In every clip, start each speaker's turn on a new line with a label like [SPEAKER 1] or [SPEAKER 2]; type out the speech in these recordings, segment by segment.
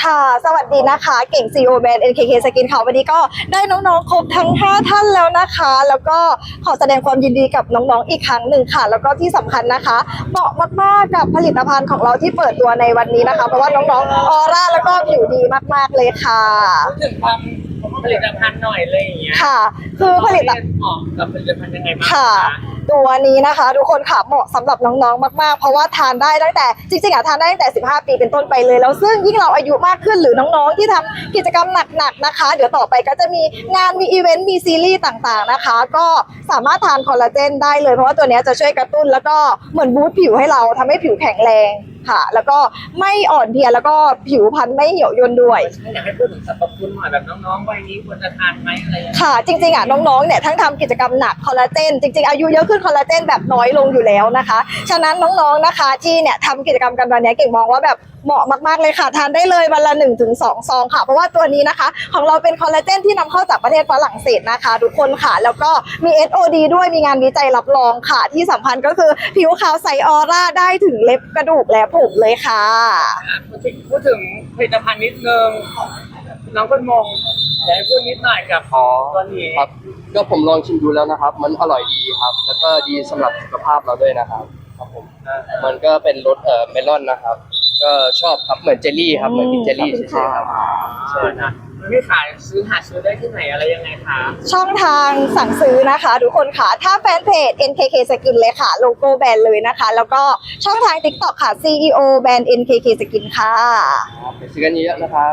[SPEAKER 1] ค่ะสวัสดีนะคะเก่ง CEO แบรนด์ NKK Skin ค่ะวันนี้ก็ได้น้องๆครบทั้ง5ท่านแล้วนะคะแล้วก็ขอแสดงความยินดีกับน้องๆอีกครั้งหนึ่งค่ะแล้วก็ที่สำคัญนะคะเหมาะมากๆกับผลิตภัณฑ์ของเราที่เปิดตัวในวันนี้นะคะเพราะว่าน้องๆออร่าแล้วก็ผิวดีมากๆเลยค่ะ
[SPEAKER 2] พูดถึงความผลิตภัณฑ์หน่อยเลยอย่างเงี้ย
[SPEAKER 1] ค่ะคือผลิตภัณฑ์
[SPEAKER 2] เหมาะกับผลิตภัณฑ์ยังไงบ้าง
[SPEAKER 1] ค่ะ
[SPEAKER 2] คะ
[SPEAKER 1] ตัวนี้นะคะทุกคนค่ะเหมาะสำหรับน้องๆมากๆเพราะว่าทานได้ตั้งแต่จริงๆทานได้ตั้งแต่15 ปีเป็นต้นไปเลยแล้วซึ่งยิ่งเราอายุมากขึ้นหรือน้องๆที่ทำกิจกรรมหนักๆนะคะเดี๋ยวต่อไปก็จะมีงานมีอีเวนต์มีซีรีส์ต่างๆนะคะก็สามารถทานคอลลาเจนได้เลยเพราะว่าตัวนี้จะช่วยกระตุ้นแล้วก็เหมือนบูสต์ผิวให้เราทำให้ผิวแข็งแรงค่ะแล้วก็ไม่อ่อนเพลียแล้วก็ผิวพรรณไม่เหี่ยวย่นด้วย
[SPEAKER 2] อยากให้พูดถึงสรรพคุณหน่อยแบบน้องๆวัยนี้ควรจะทานไหมอะไรอย่างเงี้ย
[SPEAKER 1] ค่ะจริงๆน้องๆเนี่ยทั้งทำกิจกรรมหนักคอลลาเจนจริงๆอายุเยอะขึ้นคอลลาเจนแบบน้อยลงอยู่แล้วนะคะฉะนั้นน้องๆนะคะที่เนี่ยทำกิจกรรมกันวันนี้เก่งมองว่าแบบเหมาะมากๆเลยค่ะทานได้เลยวันละ 1-2 ซองค่ะเพราะว่าตัวนี้นะคะของเราเป็นคอลลาเจนที่นำเข้าจากประเทศฝรั่งเศสนะคะทุกคนค่ะแล้วก็มี SOD ด้วยมีงานวิจัยรับรองค่ะที่สำคัญก็คือผิวขาวใสออร่าได้ถึงเล็บกระดูกและผมเลยค่ะ
[SPEAKER 2] พูดถึงผลิตภัณฑ์นิดนึงน้องคนมงอยากให้พูดนิดหน่อยกับตัวนี้
[SPEAKER 3] ครับก็ผมลองชิมดูแล้วนะครับ มันอร่อยดีครับ แล้วก็ดีสำหรับสุขภาพเราด้วยนะครับครับผมมันก็เป็นรสเมลอนนะครับ ก็ชอบครับเหมือนเจลลี่ครับเหมือนกินเจลลี่เฉยๆครับใช่
[SPEAKER 2] นะไม่ขายหาซื้อได้ที่ไหนอะไรยังไงคะ
[SPEAKER 1] ช่องทางสั่งซื้อนะคะทุกคนค่ะถ้าแฟนเพจ NKK Skin เลยค่ะโลโก้แบรนด์เลยนะคะแล้วก็ช่องทาง TikTok ค่ะ CEO แบรนด์ NKK Skin ค่ะ
[SPEAKER 3] ครับไปซื้อกันเยอะๆนะครับ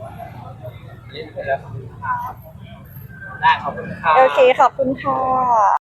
[SPEAKER 2] ได้ขอบคุณครับ
[SPEAKER 1] โอเคขอบคุณค่ะ